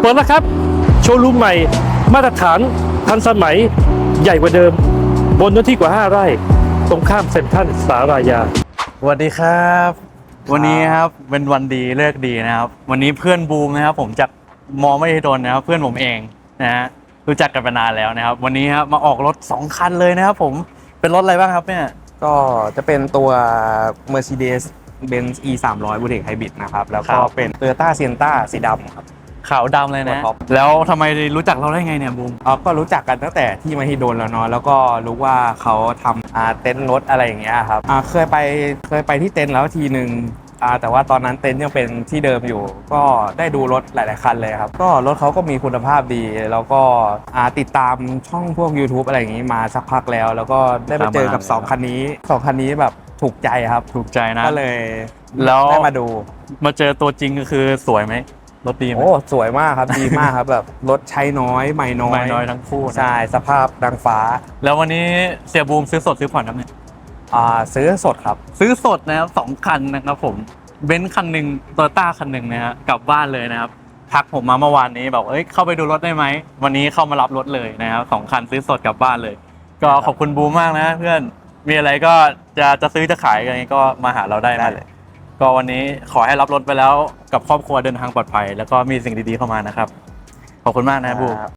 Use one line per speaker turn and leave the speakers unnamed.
ปิดแล้วครับโชว์รูมใหม่มาตรฐานทันสมัยใหญ่กว่าเดิมบนเนื้อที่กว่า5 ไร่ตรงข้ามเซ็นทรัลสารายา
สวัสดีครับวันนี้ครับเป็นวันดีเลิกดีนะครับวันนี้เพื่อนบูมนะครับผมจากมอไม่ดนนะครับเพื่อนผมเองนะฮะรู้จักกันมานานแล้วนะครับวันนี้ครับมาออกรถ2 คันเลยนะครับผมเป็นรถอะไรบ้างครับเนี่ย
ก็จะเป็นตัว Mercedes-Benz E 300 Boutique Hybrid นะครับแล้วก็เป็น Toyota Sienna สีดำครับ
ขาวดำเลยนะ
ท็อป
แล้วทำไมรู้จักเราได้ไงเนี่ยบูม
ก็รู้จักกันตั้งแต่ที่มหิดลแล้วเนาะแล้วก็รู้ว่าเขาทำเต็นท์รถอะไรอย่างเงี้ยครับเคยไปที่เต็นท์แล้วทีหนึ่งแต่ว่าตอนนั้นเต็นท์ยังเป็นที่เดิมอยู่ก็ได้ดูรถหลายๆคันเลยครับก็รถเขาก็มีคุณภาพดีแล้วก็ติดตามช่องพวก YouTube อะไรอย่างงี้มาสักพักแล้วก็ได้ไปเจอกับ2 คันนี้2 คันนี้แบบถูกใจครับ
ถูกใจนะ
ก็เลย
แล้ว
ได้มาดู
มาเจอตัวจริงก็คือสวยไหมรถดีไหม
โอ้สวยมากครับดีมากครับแบบรถใช้น้อยใหม่น้อย
ทั้งคู่
ใช่สภาพดังฟ้า
แล้ววันนี้เสียบูมซื้อสดซื้อผ่อนครับเนี่ย
ซื้อสดครับ
ซื้อสดนะครับ2 คันนะครับผมเบนซ์คันหนึ่งโตโยต้าคันหนึ่งนะฮะกลับบ้านเลยนะครับทักผมมาเมื่อวานนี้บอกเข้าไปดูรถได้ไหมวันนี้เข้ามารับรถเลยนะครับ2 คันซื้อสดกลับบ้านเลยก็ขอบคุณบูมมากนะเพื่อนมีอะไรก็จะซื้อจะขายกันก็มาหาเราได้เลยก็วันนี้ขอให้รับรถไปแล้วกับครอบครัวเดินทางปลอดภัยแล้วก็มีสิ่งดีๆเข้ามานะครับขอบคุณมากนะบูม